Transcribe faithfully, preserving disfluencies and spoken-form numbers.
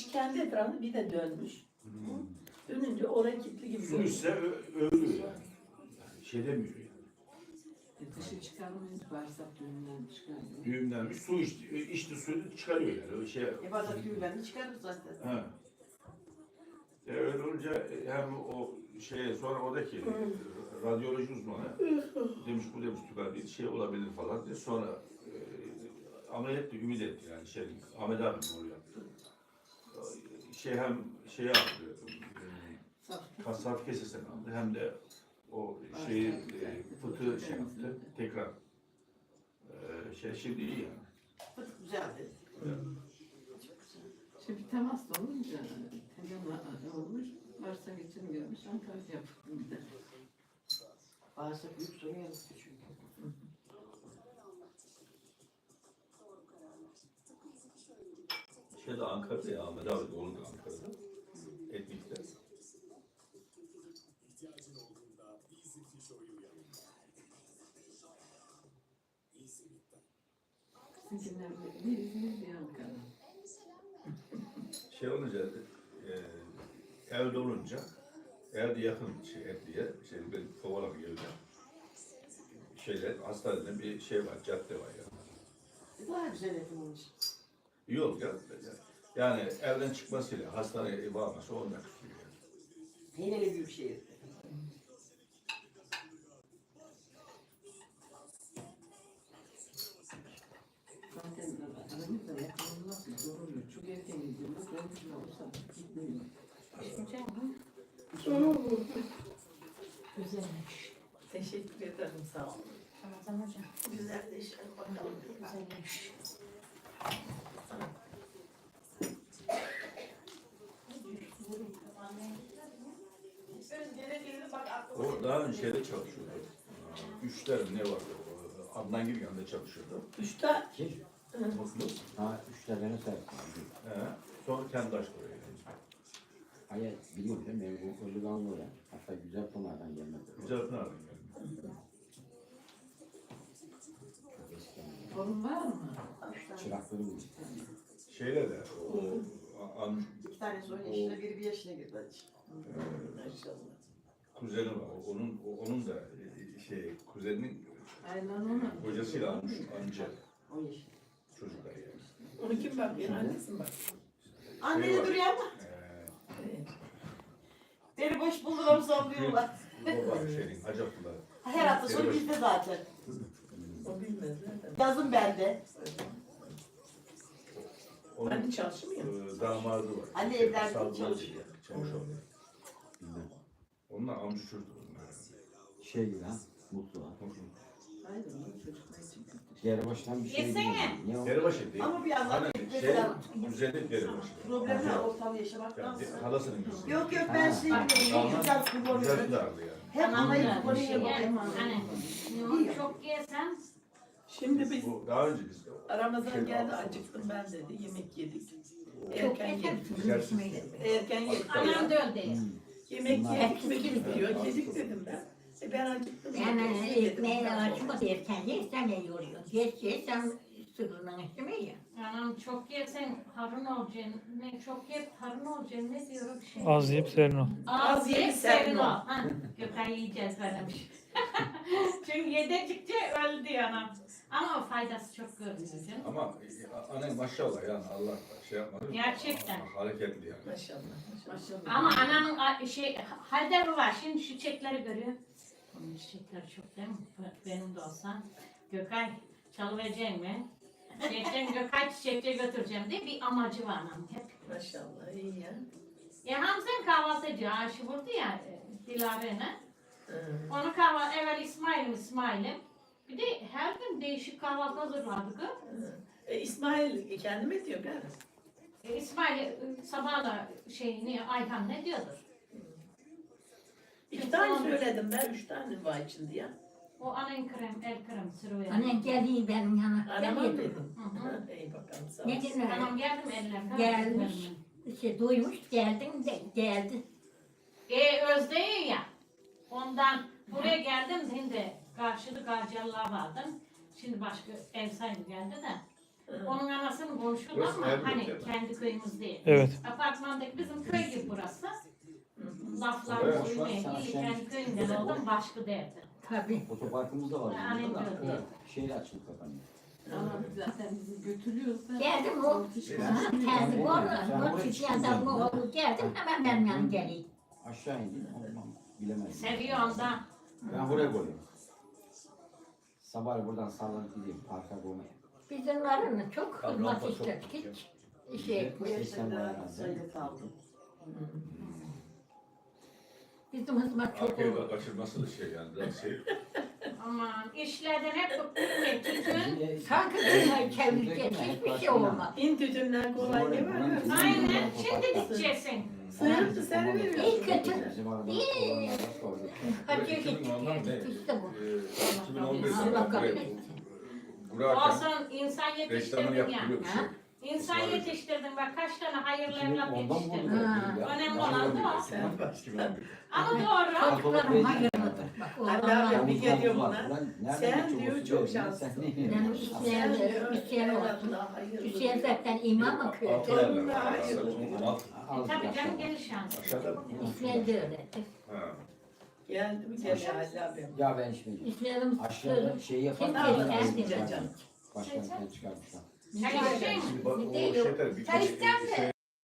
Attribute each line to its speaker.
Speaker 1: kendi etrafında bir de dönmüş.
Speaker 2: Hmm.
Speaker 1: Dönünce oraya kilitli gibi
Speaker 2: Su
Speaker 1: görünüyor.
Speaker 2: ise ölüyor yani. yani. Şey demiyor yani.
Speaker 3: E, dışı çıkarmayız, bağırsak düğümden çıkarmıyor.
Speaker 2: Düğümlenmiş su içti, içti suyu çıkarıyor yani. Öyle şey.
Speaker 4: E bazen düğümlerini çıkarır zaten.
Speaker 2: Ha. E öyle olunca hem o şeye sonra oradaki radyoloji uzmanı demiş bu demiş tüber bir şey olabilir falan diye sonra e, ameliyat da ümit etti yani şey Ahmet abi onu yaptı. Şey hem şey aldı e, kasap kesesini aldı hem de o şeyi e, fıtığı şey yaptı tekrar e, şey şimdi iyi yani.
Speaker 4: Fıtık güzeldi.
Speaker 2: Evet.
Speaker 3: Şimdi temas da olunca temel olmuş, varsa geçim görmüş, Antalya yaptım bir de.
Speaker 4: Bağırsak büyük sorun yarattı çünkü.
Speaker 2: Şeyde Ankara'da ya Ahmet abi oğlu da Ankara'da. Etnik'te.
Speaker 3: Sizinkiler bir İzmir bir Ankara.
Speaker 2: Şey olunca e, evde olunca evde yakın şey Etli'ye şey ben Kovalı bir evde şeyler hastanede bir şey var cadde var ya.
Speaker 4: Daha güzel etim olmuş.
Speaker 2: Yol ya. Yani evden çıkmasıyla hastaneye varması on dakika sürüyor. Yani.
Speaker 4: Yine büyük şehir.
Speaker 3: Zaten aramızda yakalanması zor oluyor. Çok erken gidiyoruz, ben de olsa gitmiyorum.
Speaker 5: Güzelmiş.
Speaker 1: Teşekkür ederim sağ olun.
Speaker 5: Ramazan hocam.
Speaker 1: Güzelleşir bakalım.
Speaker 5: Güzelmiş.
Speaker 2: O daha önce şeyde çalışıyordu. Üçler ne vardı? O, Adnan gibi yanında çalışıyordu.
Speaker 1: Üçte
Speaker 6: Kim?
Speaker 2: Mutlu.
Speaker 6: Ha, üç tane sahip.
Speaker 2: He. Sonra kendi açtı orayı.
Speaker 6: Hayır, biliyorum değil mi? Ben bu Ölüganlı oraya. Hatta güzel Pınar'dan gelmedi.
Speaker 2: Güzel Pınar yani.
Speaker 6: Çok eskiden.
Speaker 3: Torun var mı?
Speaker 6: Çıraklarım gibi.
Speaker 2: Şeyle de o an,
Speaker 4: İki tanesi on yaşına, biri bir yaşına girdi hacı.
Speaker 1: maşallah.
Speaker 2: kuzeni var. Onun onun da e, şey kuzeninin
Speaker 3: Aynen ona.
Speaker 2: kocasıyla almış amca
Speaker 4: On yaşında.
Speaker 2: çocuklar yani.
Speaker 1: Onu kim bakıyor? Annesi mi bakıyor?
Speaker 4: Anneni
Speaker 2: var.
Speaker 4: duruyor ama
Speaker 2: Ee,
Speaker 4: beni boş buldular sallıyorlar.
Speaker 2: baba şeyin Hacaplılar.
Speaker 4: Her hafta sonu bizde zaten.
Speaker 1: O bilmez zaten.
Speaker 4: Yazın bende.
Speaker 2: Onun
Speaker 1: Anne çalışmıyor.
Speaker 2: e, damadı var.
Speaker 4: Anne
Speaker 2: Şey,
Speaker 4: evlerde
Speaker 2: Sadullah
Speaker 4: çalışıyor.
Speaker 2: diye, Çavuşoğlu.
Speaker 6: Bilmem.
Speaker 2: Onlar amca çocuktu bunlar.
Speaker 6: Şey gibi ha, mutlu ha.
Speaker 3: Aynen onun çocuklar için kötü.
Speaker 6: Geribaştan bir şey
Speaker 5: Yesene.
Speaker 6: bilmiyorum. Ne o?
Speaker 2: Deribaşı değil.
Speaker 4: Ama bir yandan
Speaker 2: Hani şey,
Speaker 4: mesela
Speaker 2: güzellik Deribaşı.
Speaker 4: problemler ortamda yaşamaktan
Speaker 2: Yani
Speaker 4: sonra.
Speaker 2: halasının gözü.
Speaker 4: Yok yok ben şey biliyorum. Ne güzel
Speaker 2: Güzel
Speaker 4: kullanıyorum.
Speaker 2: kızardı yani.
Speaker 4: Hem anayı
Speaker 5: Tamam,
Speaker 4: kullanıyorum.
Speaker 5: şey,
Speaker 4: hem
Speaker 5: Hani limon çok yesen
Speaker 1: Şimdi biz
Speaker 2: Bu daha önce biz
Speaker 1: Ramazan geldi acıktım ben dedi. Yemek yedik.
Speaker 5: çok
Speaker 1: Erken
Speaker 5: yesen
Speaker 1: yedik.
Speaker 5: tuzlu
Speaker 1: Erken yedik.
Speaker 5: anam da öyle.
Speaker 1: Yemek
Speaker 6: Bunlar-
Speaker 1: yedik mi bitiyor. Yedik dedim ben. E ben acıktım.
Speaker 5: Yani
Speaker 1: Yedim
Speaker 5: ekmeğe
Speaker 1: dedim.
Speaker 5: açma derken yersen ne yoruyor? Geç yersen sıkılman istemiyor ya.
Speaker 7: Anam çok yersen harun olacaksın. Ne çok yep harun olacaksın. Ne diyor bir şey?
Speaker 8: Az yiyip serin ol.
Speaker 7: Az
Speaker 1: Az
Speaker 7: yiyip
Speaker 1: yiyip
Speaker 7: serin
Speaker 1: serin
Speaker 7: ol.
Speaker 1: ol.
Speaker 7: Ha, Gökay yiyeceğiz böylemiş. Çünkü yedikçe öldü diyor anam. Ama faydası çok görünüyor canım.
Speaker 2: ama e, anne maşallah yani Allah şey yapmadı.
Speaker 7: Gerçekten.
Speaker 2: Ama hareketli yani.
Speaker 1: Maşallah. Maşallah.
Speaker 3: Maşallah.
Speaker 7: Ama anamın a- şey halde var. Şimdi şu çiçekleri görüyor. Onun çiçekleri çok değil mi? Benim de olsa. Gökay çalıvereceğim mi? Geçen Gökay çiçekçiye götüreceğim diye bir amacı var anam hep.
Speaker 1: Maşallah iyi ya.
Speaker 7: Ya Hamza'nın kahvaltı ediyor. Ayşe vurdu ya e, Dilaver'ine.
Speaker 1: Hı.
Speaker 7: Onu kahvaltı, evvel İsmail'im İsmail'im. Bir de her gün değişik kahvaltı hazırlardık.
Speaker 1: E, İsmail kendi mi diyor galiba?
Speaker 7: E, İsmail e, sabahla şey ne Ayhan ne diyordur.
Speaker 1: İki tane söyledim ben. Üç tane var içinde ya.
Speaker 7: O annen krem, el krem sürüyor.
Speaker 5: Annen geldi benim yana.
Speaker 1: Anama
Speaker 5: Geldi.
Speaker 1: dedim.
Speaker 7: Hı hı.
Speaker 1: Ha, İyi bakalım sağ
Speaker 5: Ne
Speaker 1: ol.
Speaker 5: dedin öyle?
Speaker 7: Tamam geldim ellerine.
Speaker 5: Gelmiş. İşte duymuş geldin de geldi.
Speaker 7: E Özde'yi ya. Ondan buraya geldim şimdi karşılık Garcalılar vardım. Şimdi başka ev sahibi geldi de. Onun anasını konuşuyorlar
Speaker 2: Burası
Speaker 7: ama
Speaker 2: Elbet
Speaker 7: hani
Speaker 2: değil mi?
Speaker 7: kendi köyümüz değil.
Speaker 8: Evet.
Speaker 7: Apartmandaki bizim köy gibi burası. Laflar
Speaker 2: Evet.
Speaker 7: duymayın. İyi kendi köyümden oldum başka derdi.
Speaker 5: Tabii.
Speaker 6: Otoparkımız da var.
Speaker 7: Annem
Speaker 6: burada da.
Speaker 7: diyor.
Speaker 6: Şehir açılıp kapanıyor.
Speaker 3: Ama zaten bizi götürüyorsa.
Speaker 5: Geldim o. Kendi borla. O çiçeğinden bu oğlu geldim hemen benim yanım geliyor.
Speaker 6: Aşağı indim. Olmam. Bilemedim.
Speaker 7: Seviyorum da.
Speaker 6: Ben buraya koyuyorum. Sabah buradan sallanıp gideyim. Parka koymaya.
Speaker 5: Bizimlerin çok hizmet istedik hiç. Şey,
Speaker 4: Bu yaşlarda sayıda kaldım.
Speaker 5: bizim hizmet çok
Speaker 2: Arkaya
Speaker 5: olur.
Speaker 2: kaçırması da şey yani biraz şey.
Speaker 7: Aman işlerden hep bıktık ve tütün.
Speaker 5: Sanki dünyayı çevirecek hiçbir şey olmaz.
Speaker 1: İn tütünden kolay ne var mı?
Speaker 7: Aynen şimdi gideceksin.
Speaker 1: Sıyırtı seni veriyor.
Speaker 5: İyi kötü.
Speaker 6: Bizim arada
Speaker 5: İyi.
Speaker 6: olanlara sorduk.
Speaker 5: Hacıya
Speaker 2: iki bin
Speaker 5: gittik
Speaker 2: ondan ne?
Speaker 5: geldik işte bu.
Speaker 2: iki bin on beş
Speaker 5: Allah
Speaker 2: yılında
Speaker 5: kabul
Speaker 2: buraya
Speaker 5: etsin.
Speaker 2: kurarken
Speaker 7: Olsun insan
Speaker 2: reklamını
Speaker 7: yetiştirdin ya.
Speaker 2: yaptırıyor bir şey.
Speaker 7: İnsan yetiştirdin bak kaç tane hayırlı evlat
Speaker 6: Ondan
Speaker 7: yetiştirdin.
Speaker 6: vurdular.
Speaker 5: Ha.
Speaker 6: Ya.
Speaker 7: Önemli olan da o.
Speaker 1: Sen bak.
Speaker 2: iki bin on bir.
Speaker 7: Ama doğru.
Speaker 5: Çocuklarım hayırlıdır. Bak
Speaker 1: Allah
Speaker 5: oğlanlar.
Speaker 1: bir geliyor
Speaker 6: Ulan,
Speaker 1: buna.
Speaker 6: ulan nereden
Speaker 1: Sen
Speaker 6: geçiyor
Speaker 1: diyor
Speaker 6: bu
Speaker 1: çok
Speaker 6: süre?
Speaker 1: şanslısın.
Speaker 6: Sen ne-
Speaker 5: Benim isteyen de isteyen olsun. Hüseyin zaten imam okuyor.
Speaker 2: Altı yerler var. Altı.
Speaker 6: Al,
Speaker 7: Tabii canım
Speaker 6: al.
Speaker 7: gelir şansı.
Speaker 2: Aşağıda mı?
Speaker 5: İsmail de öyledir.
Speaker 2: Ha.
Speaker 1: Geldi mi geliyor Allah benim.
Speaker 6: Ya ben şimdi
Speaker 5: İsmail'im
Speaker 6: aşağıda şey yapan
Speaker 5: Kim
Speaker 1: aldı?
Speaker 6: başkanlıktan
Speaker 1: Canım.
Speaker 6: başkanlıktan çıkarmışlar.
Speaker 7: Çay içecek misin?
Speaker 2: Şimdi bak o
Speaker 5: Değil o.
Speaker 2: şeyler bir
Speaker 5: Sen ister misin?